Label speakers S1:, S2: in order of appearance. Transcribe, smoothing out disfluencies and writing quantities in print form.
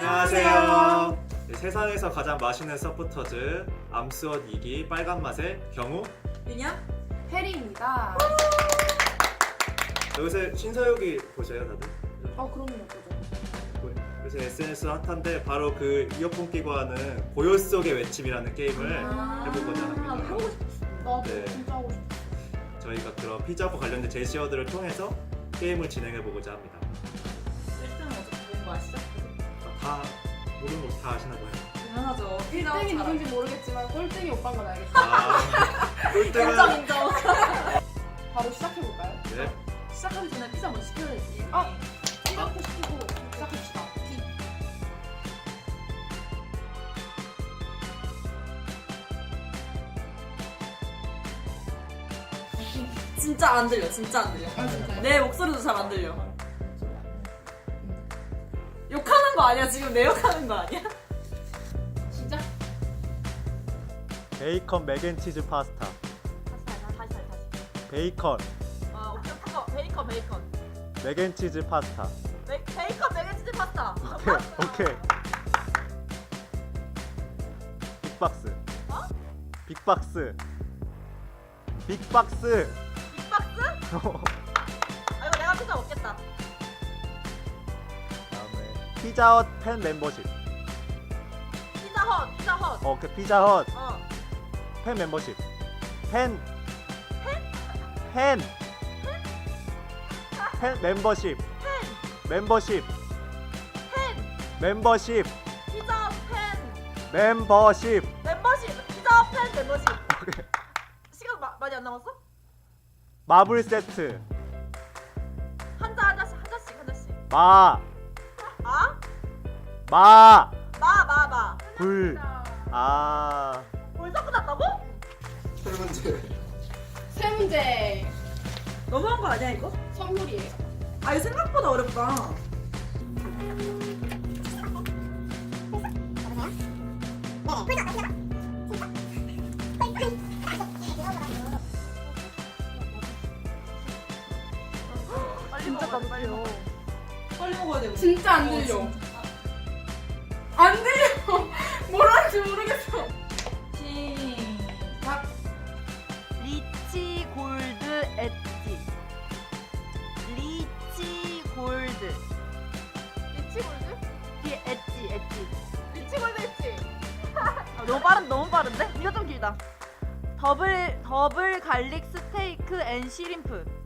S1: 안녕하세요. 네, 세상에서 가장 맛있는 서포터즈 암스원 2기 빨간 맛의 경우
S2: 윤영?
S3: 해리입니다.
S1: 요새 신서유기 보셔요 다들?
S3: 그럼요, 그죠.
S1: 요새 SNS 핫한데 바로 그 이어폰 끼고 하는 고요 속의 외침이라는 게임을 해보고자 합니다.
S2: 하고 싶었어.
S3: 나도
S1: 네.
S3: 진짜 하고 싶어.
S1: 저희가 그런 피자와 관련된 제시어들을 통해서 게임을 진행해보고자 합니다.
S2: 1등은 어차피 본거 아시죠?
S1: 다 모르는 거 다 아시나 봐요.
S2: 당연하죠.
S3: 1등이 누군지 모르겠지만 꼴등이 오빠인 건 알겠다.
S1: 아, 꼴등은
S2: 인정 인정.
S3: 바로 시작해볼까요?
S1: 네.
S2: 시작하기 전에 피자 먼저 시켜야지.
S3: 시작부터 시키고 시작합시다.
S2: 진짜 안 들려. 진짜 안 들려.
S3: 진짜요?
S2: 내 목소리도 잘 안 들려. 욕하는 거 아니야? 지금 내 욕하는 거 아니야?
S3: 시작.
S4: 베이컨 맥앤치즈 파스타.
S2: 다시.
S4: 베이컨
S2: 오케이. 베이컨.
S4: 맥앤치즈 파스타.
S2: 베이컨 맥앤치즈 파스타.
S4: 오케이. 빅박스. 빅박스.
S2: 빅박스? 아 이거 내가 피자 먹겠다.
S4: 다음에 피자헛 팬 멤버십.
S2: 피자헛.
S4: 오케이 피자헛
S2: 어.
S4: 팬 멤버십. 팬 멤버십. 멤버십. 멤버십.
S2: 피자헛 팬.
S4: 멤버십.
S2: 피자헛 팬 멤버십. 시간 많이 안 남았어?
S4: 마블 세트.
S2: 하나씩.
S4: 마.
S2: 아?
S4: 마.
S2: 마.
S4: 불. 아.
S2: 벌써 끝났다고?
S3: 세 문제
S2: 너무한 거 아니야 이거?
S3: 선물이에요.
S2: 아 이거 생각보다 어렵다. 진짜 깜짝이야. 빨리 먹어야 돼. 우리.
S3: 진짜 안 들려. 안 들려. 뭘 하는지 모르겠어.
S2: 시작.
S5: 리치 골드 엣지. 리치 골드. 뒤에 엣지. 너무 빠른데? 이거 좀 길다. 더블 갈릭 스테이크 앤 시림프.